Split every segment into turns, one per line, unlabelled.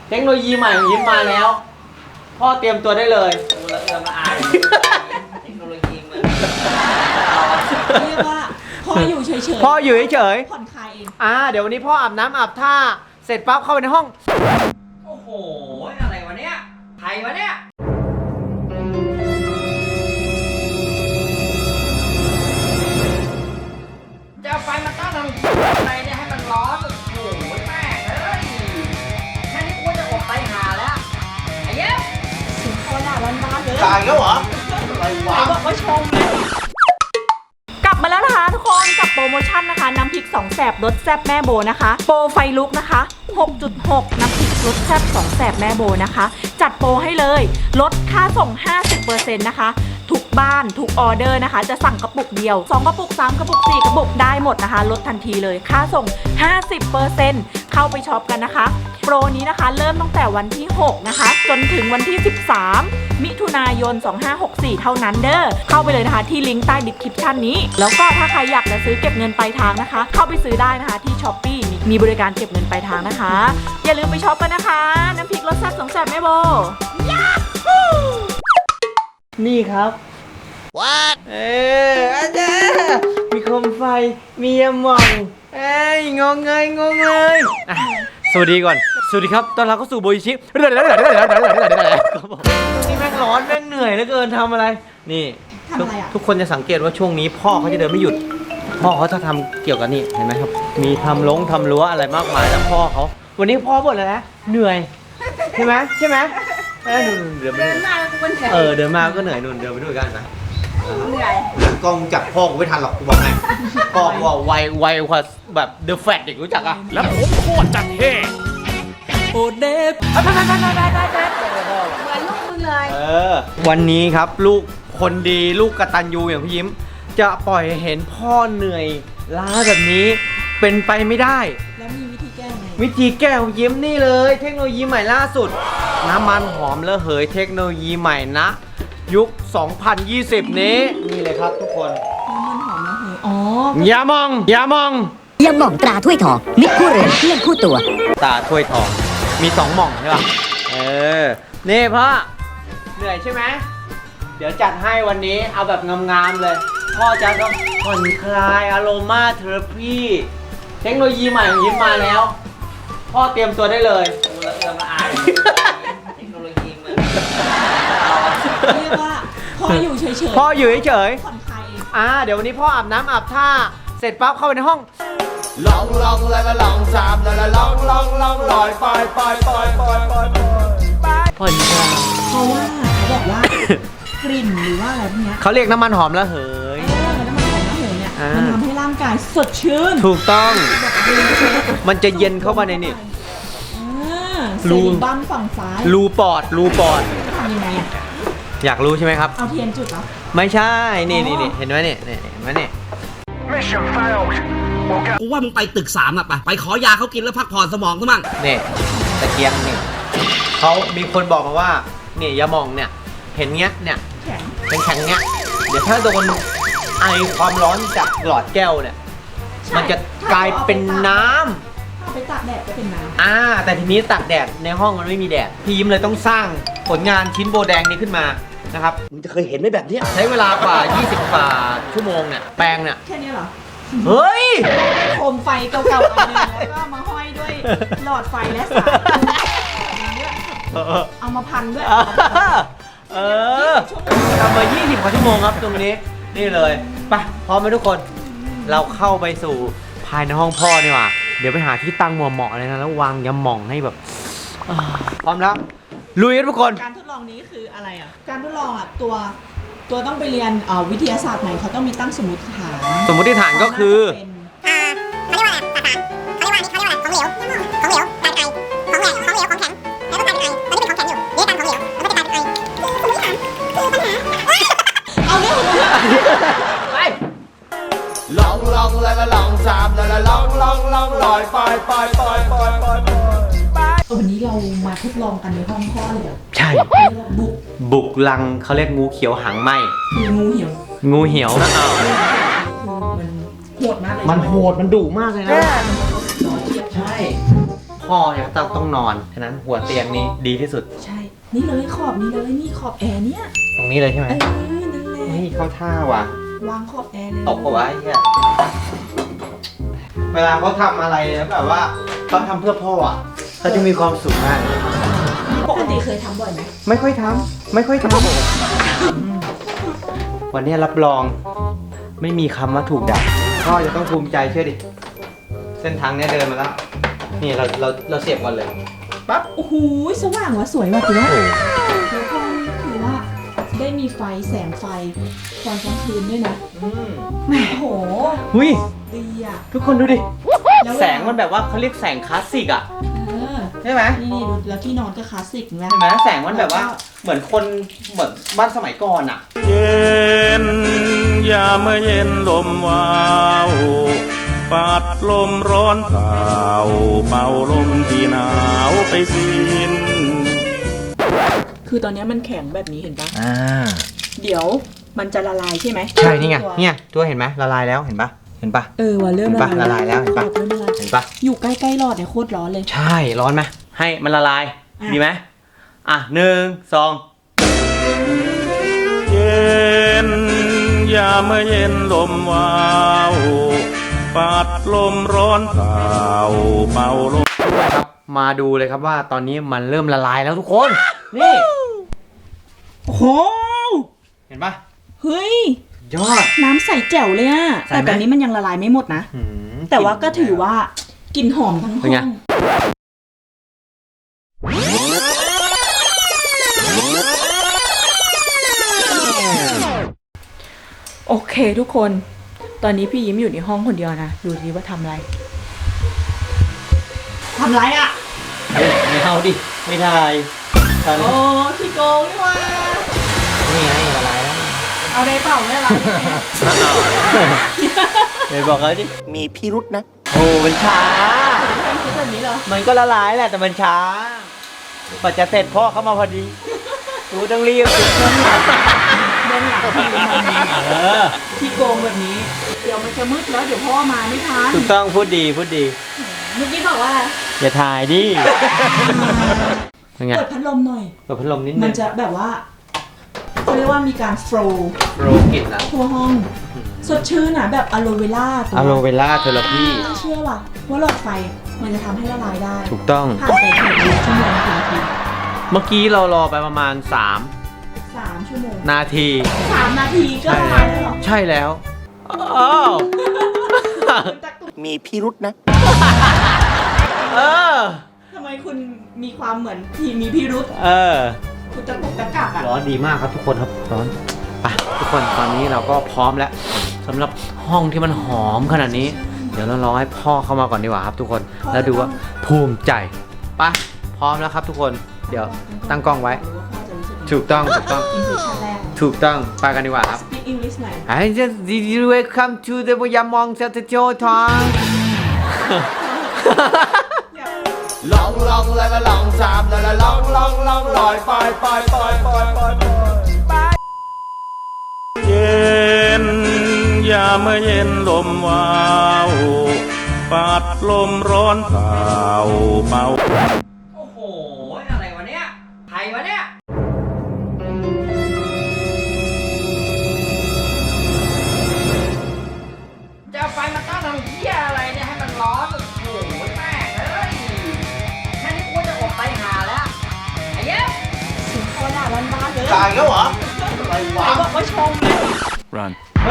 เทคโนโลยีใหม่ของยิ้มมาแล้วพ่อเตรียมตัวได้เลยกูละเอือมละอายเทคโนโลยีมัน
เรียกว่าพ่ออยู่เฉยๆ
พ่ออยู่เฉย
ผ่อนคลายเอง
เดี๋ยววันนี้พ่ออาบน้ำอาบท่าเสร็จปั๊บเข้าไปในห้องโอ้โหอะไรวะเนี่ยใครวะเนี่ยจะเอาไฟมาตั้งทำอะไรเนี่ยให้มันร้อนโอ้โหแม่เอ้ยแค่นี้กูจะอดไปหาแล้วไอ้เย้
เสียงพ่อด่าบ้านๆเลย
ตายแล้วเหรออะไรวะ
บอกว่าชมเลยกลับมาแล้วนะคะทุกคนกับโปรโมชั่นนะคะน้ำพริก2แสบรสแซ่บแม่โบนะคะโปรไฟลุกนะคะ 6.6 น้ำพริกรสแซ่บ2แสบแม่โบนะคะจัดโปรให้เลยลดค่าส่ง 50% นะคะทุกบ้านทุกออเดอร์นะคะจะสั่งกระปุกเดียว2กระปุก3กระปุก4กระปุกได้หมดนะคะลดทันทีเลยค่าส่ง 50% เข้าไปช็อปกันนะคะโปรนี้นะคะเริ่มตั้งแต่วันที่6นะคะจนถึงวันที่13มิถุนายน2564เท่านั้นเด้อเข้าไปเลยนะคะที่ลิงก์ใต้ดิสคริปชันนี้แล้วก็ถ้าใครอยากจะซื้อเก็บเงินปลายทางนะคะเข้าไปซื้อได้นะคะที่ Shopee มีบริการเก็บเงินปลายทางนะคะอย่าลืมไปช็อปกันนะคะน้ำพริกรสแซ่บ2แซ่บแม่โบ
นี่ครับ What อาจารย์มีโคมไฟมียาหม่องงงเงยสวัสดีก่อนสวัสดีครับตอนเราเข้าสู่โบยิชินี่แม่งร้อนแม่งเหนื่อยเหลือเกินทำอะไรนี่ทุกคนจะสังเกตว่าช่วงนี้พ่อเขาจะเดินไม่หยุดพ่อเขาจะทำเกี่ยวกับนี่เห็นไหมครับมีทำรั้วอะไรมากมายแล้วพ่อเขาวันนี้พ่อบ่นอะไรนะเหนื่อยใช่ไหมเดินมาก็เหนื่อยเดินมาก็เหนื่อยนุ่นเดินไปด้วยกันนะ
เหนื่อย
กล้องจับพ่อกูไม่ทันหรอกกูบอกให้
พ่อกูว่าไวกว่าแบบเดอะแฟตเด็กรู้จักอ่ะ
แล้วผมโคตรจัดเท่
โอเดฟเหมือนลูกมึงเลย
วันนี้ครับลูกคนดีลูกกตัญญูอย่างพี่ยิ้มจะปล่อยเห็นพ่อเหนื่อยล้าแบบนี้เป็นไปไม่ได้
แล้วมีวิธีแก้ไง
วิธีแก้ของยิ้มนี่เลยเทคโนโลยีใหม่ล่าสุดน้ำมันหอมระเหยเทคโนโลยีใหม่นะยุค 2020 นี้นี่เลยครับทุกคน
น้ำมันหอมระเหยอ๋อ
อย่ามอง
ยาหม่องตราถ้วยทองมิตรคู่เรือนเพื่อนคู่ตัว
ตาถ้วยทองมี2หม่องใช่ป่ะนี่พ่อเหนื่อยใช่ไหมเดี๋ยวจัดให้วันนี้เอาแบบงามๆเลยพ่อจะต้องผ่อนคลายอโรมาเทอราพีเทคโนโลยีใหม่ของยิ้มมาแล้วพ่อเตรียมตัวได้เลยกูละเอือมละอายเทคโนโลยีมัน
เรียกว่าพ่ออยู่เฉยๆ
พ่ออยู่เฉย
ผ่อนคลายเอง
เดี๋ยววันนี้พ่ออาบน้ำอาบท่าเสร็จปั๊บเข้าไปในห้อง
ลองละลองสามละลองลอยไป
ผ่อนคลาย
เพราะว่าเขาบอกว่ากลิ่นหรือว่าอะไรพวกนี้
เขาเรียกน้ำมันหอมระเหย
น้ำมันหอมระเหยเนี่ยมันทำให้ร่างกายสดชื่น
ถูกต้องมันจะเย็นเข้ามาในนี่
รูบ้านฝั่งซ้าย
รูปอด
ทำยังไง
อยากรู้ใช่ไหมครับ
เอาเทียนจุดเหรอ
ไม่ใช่นี่เห็นไหมเนี่ยเห็นไหมเนี่ย
กูว่ามึงไปตึก3อะไปขอยาเขากินแล้วพักผ่อนสมองซะมั่ง
เนี่ยตะเกียงเนี่ยเขามีคนบอกมาว่าเนี่ยยาหม่องเนี่ยเห็นเงี้ยเนี่ยแข็งเงี้ยเดี๋ยวถ้าโดนไอความร้อนจากหลอดแก้วเนี่ยมันจะกลายเป็นน้ำ
ไปตากแดดก็เป็นน้ำ
แต่ทีนี้ตากแดดในห้องมันไม่มีแดดพี่ยิ้มเลยต้องสร้างผลงานชิ้นโบแดงนี้ขึ้นมานะครับ
มึงจะเคยเห็นไหมแบบนี้
ใช้เวลากว่า20 กว่าชั่วโมงเนี่ยแปรงเนี่ย
แค่นี้เหรอ
เฮ้ย
โคมไฟเก่าๆอันนึงแล้วก็มาห้อยด้วยหลอดไฟและสายเอามาพันด้วย
ทำมา20 กว่าชั่วโมงครับตรงนี้นี่เลยไปพร้อมไหมทุกคนเราเข้าไปสู่ภายในห้องพ่อดีกว่าเดี๋ยวไปหาที่ตั้งเหมาะๆเลยนะแล้ววางยาหม่องให้แบบพร้อมแล้วลุยกันทุกคน
การทดลองนี้คืออะไรอ่ะการทดลองอ่ะตัวต้องไปเรียนวิทยาศาสตร์ไหนเขาต้องมีตั้งสมมติฐาน
ก็คือ
เขาเรียกว่าอะไรเขาเรียกว่าของเหลวการไอของแหลกของเหลวของแข็งแล้วก็การไอตอนนี้เป็นของแข็งอยู่นี่การของเหลวแล้วก็จะการไอสมมติฐานคือปัญหา
เอาเรื่อง
ไป
ลองสามละลองลอยไป
วันนี้เรามาทดลองกันในห้องพ่อเลย
ใช่บุกลังเขาเรียกงูเขียวหางไหมงูเหี่ยว
มันโหดมากเลย
มันโหดมันดุมากเลยนะ
ใช่
พ่อเนี่ยต้องนอนฉะนั้นหัวเตียงนี้ดีที่สุด
ใช่ นี่เลยขอบนี้เลยนี่ขอบแอร์เนี่ย
ตรงนี้เลยใช่ไหม
นั่นแหละ
นี่เข้าท่าว่ะ
วางขอบแอร์เลย
ตกปะวะไอ้เหี้ยเวลาเขาทำอะไรแล้วแบบว่าเขาทำเพื่อพ่ออ่ะเขาจะมีความสุขมาก
ปกติเคยทำบ่อยไหม
ไม่ค่อยทำวันนี้รับรองไม่มีคำว่าถูกด่าพ่อจะต้องภูมิใจเชื่อดิเส้นทางเนี้ยเดินมาแล้วนี่เราเสียบก่อนเลยปั๊บ
โอ้โหสว่างว่ะสวยว่ะถือว่าแล้วก็ถือว่าได้มีไฟแสงไฟตอนกลางคืนด้วยนะโอ้โห
หุย
ดีอ่ะ
ทุกคนดูดิ
ล้ว
แสงมันแบบว่าเขาเรียกแสงคลาสสิกอ่ะ ใช่ไหม
นี่ดูแล้วที่นอนก็คลาสสิกเห็นไหม
ใช่ไหมแสงมันแบบว่าเหมือนคนเหมือนบ้านสมัยก่อนอ่ะ
เย็นยามเมื่อเย็นลมวาวปัดลมร้อนเผาเป่าลมที่หนาวไปสิ้น
คือตอนนี้มันแข็งแบบนี้เห็นปะ
อ่า
เดี๋ยวมันจะละลายใช่ไหม
ใช่นี่ไง
ตัว
เนี่ยตัวเห็นไหมละลายแล้วเห็นปะเห็นปะ
ว่าเริ่ม
เห็นปะละลายแล้วเห็นปะ
เริ่มละลาย
เห็นปะ
อยู่ใกล้ๆหลอดเนี่ยโคตรร้อนเลย
ใช่ร้อนไหมให้มันละลาย
อ่ะ
ดีไหมอ่ะ1 2
เย็นยามเมื่อเย็นลมวาวปัดลมร้อนเผาเป่าลม
ครับมาดูเลยครับว่าตอนนี้มันเริ่มละลายแล้วทุกคนนี่
โอ้โห
เห็นปะ
เฮ้ย
ยอด
น้ำใสแจ๋วเลยอะ
ใสไหม
แต่ตอนนี้มันยังละลายไม่หมดนะ
หืม
แต่ว่าก็ถือว่ากลิ่นหอมทั้งห้
เป็นไง
อง โอเคทุกคน ตอนนี้พี่ยิ้มอยู่ในห้องคนเดียวนะ ดูสิว่าทำอะไร ทำไรอะ
เฮ้ยไม่เอาดิไม่ได้ตอน
โอ้
นี้
ขี้โกงนี่ว่า
นี่ไงละลายแล้ว
เอาได้เปล่าไม่ละ
เดี๋ยวบอกเขาดิ
มีพิรุษนะ
โอ้มันช้า
คิดแบบนี้เหรอ
มันก็ละลายแหละแต่มันช้ากว่าจะเสร็จพ่อเข้ามาพอดีกูต้องรีบ
เดินหลังพี่ยิ้มมา
เออ
ขี้โกงแบบนี้ เดี๋ยวมันจะมืดแล้วเดี๋ยวพ่อมาไม่ทัน
ถูกต้องพูดดีพูดดี
เมื่อกี้บอกว่า
อย่าถ่ายดิเป็นไง
เปิดพัดลมหน่อย
เปิดพัดลมนิด
มั
นึ
น
ง
จะแบบว่าเขาเรียกว่ามีการโฟลว์
โรกลิ่นแล้ว
ทั่วห้อง สดชื่นนะแบบอะโลเวล่าตัว
อะโลเวล่าเทอราพี
เชื่อว่ะว่าหลอดไฟมันจะทำให้ละลายได้
ถูกต้อง
ผ่านไปถึง1 ชั่วโมงถึงนาที
เมื่อกี้เรารอไปประมาณ
3 ชั่วโมง
3 นาที
3 นาทีก็ละลายแล้วเหรอ
ใช่แล้วอ้าว
มีพิรุษนะ
เออ
ทำไมคุณมีความเหมือนทีมีพิรุษ
เออ
คุณตะกุกตะกักอ่ะ
ร้อนดีมากครับทุกคนครับร้อนไปทุกคนตอนนี้เราก็พร้อมแล้วสำหรับห้องที่มันหอมขนาดนี้ เดี๋ยวเรารอให้พ่อเข้ามาก่อนดีกว่าครับทุกคนแล้วดูว่าภูมิใจไปพร้อมแล้วครับทุกคนเดี๋ยวตั้งกล้องไว้ ถูกต้องถูกต้อง
อินเทอร์ชันแรก
ถูกต้องไปกันดีกว่าครับ
Speak English หน่อย
I just did you welcome to the Yamong Satcho Tong
ลองลองละละลองสามละละลองลองลองลอยไปไปไปไปไปไป
เย็นยามเมื่อเย็นลมวาวปัดลมร้อนเผาเป่า
โอ้โหอะไรวะเนี่ยใครวะเนี่ยจะไฟมาตั้งทำเหี้ยอะไรเนี่ยให้มันร้อนโอ้โหแม่เอ้ยแค่นี้กูจะอดไปหาแล้วไอ้เย้
เสียงคอด่าบ้านๆเลย
ตายแล้วเหรอ อะไร
ไหน
วะ
บอกว่าชมเลย
Run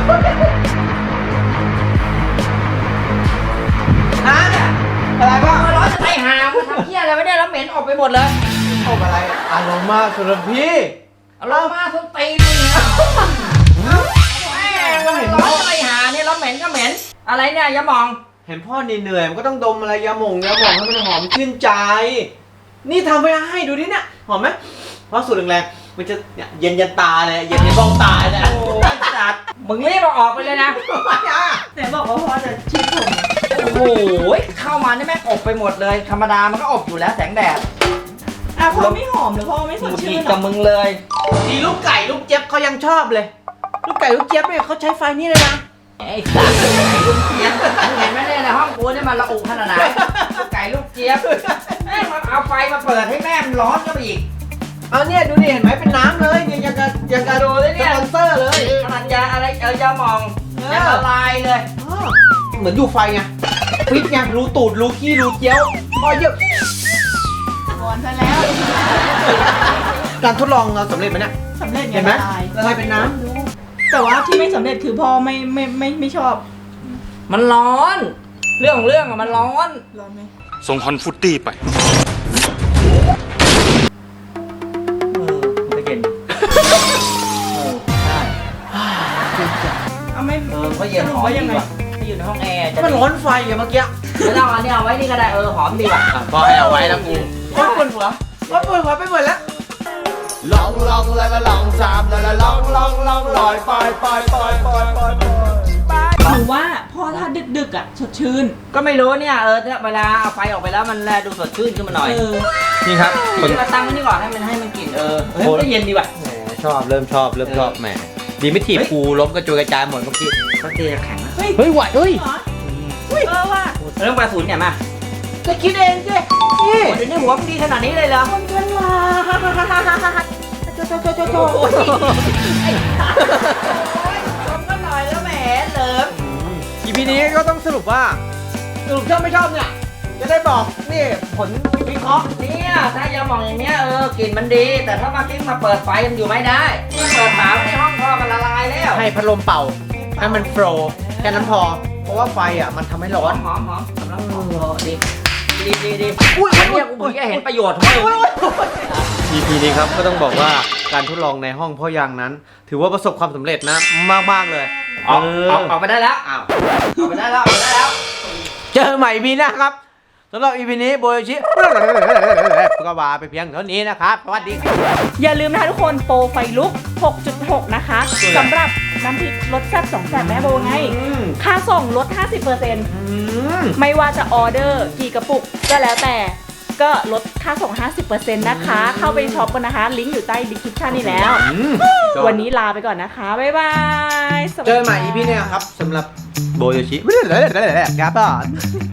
น้าเนี่ยอะไรบ้าง
ร้อนจะไปหามาทำเหี้ยอะไรไม่ได้แล้วเหม็นออกไปหมดเลย
อมอะไรอารมณ์มากสุรพี่
เอาเรามาส้นตีนมึงเนี่ยแม่งมันร้อนจะไปหาเนี่ยแล้วเหม็นก็เหม็น อะไรเนี่ยอย่ามอง
เห็นพ่อเหนื่อยๆมันก็ต้องดมอะไรยาหม่องให้มันหอมชื่นใจ นี่ทำไปให้ดูดิเนี่ยหอมไหมเพราะสูตรแรงๆมันจะเนี่ยเย็นยันตาเลยเย็นยันบ้องตาเลย
โอ้ยจัดมึงรีบเอาออกไปเลยนะ
แต่บอกว่าพ่อจะชื่นชม
โอ้โหเข้ามานี่แม่งอบไปหมดเลย ธรรมดามันก็อบอยู่แล้วแสงแดด
อ่ะพ่อไม่หอมหรือพ่อไม่ส
ห
ด
งุดห
ชื่
งิ
น
ด
เหร
กั
อบ
มึงเลย
ทีลูกไก่ลูกเจี๊ยบเขายังชอบเลย ลูกไก่ลูกเจี๊ยบเนี่ยเขาใช้ไฟนี่เลยนะ
ไอ้สัตว์ไอ้ลูกเจี๊ยบมึงเห็นไหมเนี่ยในห้องกูเนี่ยมันระอุขนาดไหนลูกไก่ลูกเจี๊ยบแม่งมาเอาไฟมาเปิดให้แม่มันร้อนก็ไปอีก
เอาเนี่ยดูดิเห็นไหมเป็นน้ำเลยเนี่ยอย่างกับ
ดูเลยเนี่ย
สปอนเซอร์เลย
ขนาดยาอะไรยามองยาละลายเลย
อ้าวเหมือนดูไฟไงฟิตไงรูตูดรูขี้รูเจียวพอเยอะ
วอนซะแล้ว
การทดลองเราสำเร็จไหมเนี่ย
สำเร็จไง
เห็นไหม
ละลาย
ละลายเป็นน้
แต่ว่าที่ไม่สำเร็จคือพ่อไม่ชอบ
มันร้อน เรื่องของเรื่องอะมันร้อน
ร้อนไหม
ส่งฮอนฟุตตี้ไป
ไม่เย็น
เอาไม่
ก็เย็นหอม
ว่ายังไง
ไม่อยู่ในห้องแอร์
ำมันร้อนไฟไงเมื่อกี้
ไม่ต้องอันนี้เอาไว้นี่ก็ได้หอมดีว่ะ
พอให้เอาไว้แล้วกูร้อนปวดหัวร้อนปวดหัวไปหมดแล้ว
ลองลองละละลองสามละละลองลองลองลอยไปไปไปไปไปไป
หรือว่าพ่อถ้าดึกๆอ่ะสดชื่น
ก็ไม่รู้เนี่ยถ้าเวลาเอาไฟออกไปแล้วมันแลดูสดชื่นขึ้นมาหน่อย
นี่ครับคน
มาตั้งไว้นี่ก่อนให้มันกลิ่นเฮ้ยมันก็เย็นดีว่ะ
แหมชอบเริ่มชอบแหมดีไม่ถีบกูล้มกระจุยกระจายหมดเมื่อกี้
ก็เตีแข็งนะ
เฮ้ย
เฮ้ยไหวเฮ้ย
เหรอเออว่ะ
เรื่องปลาศูนย์เนี่ยมา
จะคิดเองสินี่
เดี๋ยวนี้หัวมันดีขนาดนี้เลยเหรอ
คนกันว่าโจ
โอ้ยชมกันหน่อยแล้วแหมเหลิม
อีพีนี้ก็ต้องสรุปว่าชอบไม่ชอบเนี่ยจะได้บอกนี่ผลวิเคราะห์
เนี่ยถ้ายาหมองอย่างเนี้ยกลิ่นมันดี แต่ถ้ามากิ้งมาเปิดไฟมันอยู่ไม่ได้เปิดฝาในห้องพ่อมันละลายแล้ว
ให้พัดลมเป่าให้มันโฟลว์แค่นั้นพอ เพราะว่าไฟอ่ะมันทำให้ร้อน
หอมสำหรับดีอันเนี้ยกูเพิ่งจะเห็นประโยชน์ของมัน
EP นี้ครับก็ต้องบอกว่าการทดลองในห้องพ่อยางนั้น ถือว่าประสบความสำเร็จนะมากๆเลย
ออกไปได้แล้วอ้าวออกไปได้แล้ว
เจอใหม่ EP หน้าครับสำหรับ EP นี้โบโยชิก็ว่าไปเพียงเท่านี้นะครับสวัสดีครับ
อย่าลืมนะคะทุกคนโปรไฟลุก 6.6 นะคะสำหรับน้ำพริกรสแซ่บ2 แสบแม่โบไง ค่าส่งลด 50%ไม่ว่าจะออเดอร์กี่กระปุกก็แล้วแต่ก็ลดค่าส่ง 50% นะคะ เข้าไปช็อปกันนะคะ ลิงก์อยู่ใต้ดีคริปชันนี่แล้ว วันนี้ลาไปก่อนนะคะ บ๊ายบายสวัส
เจ
ดี
อใหม่
ค่ะ
EP เนี่ยครับสำหรับโบโยชิครับ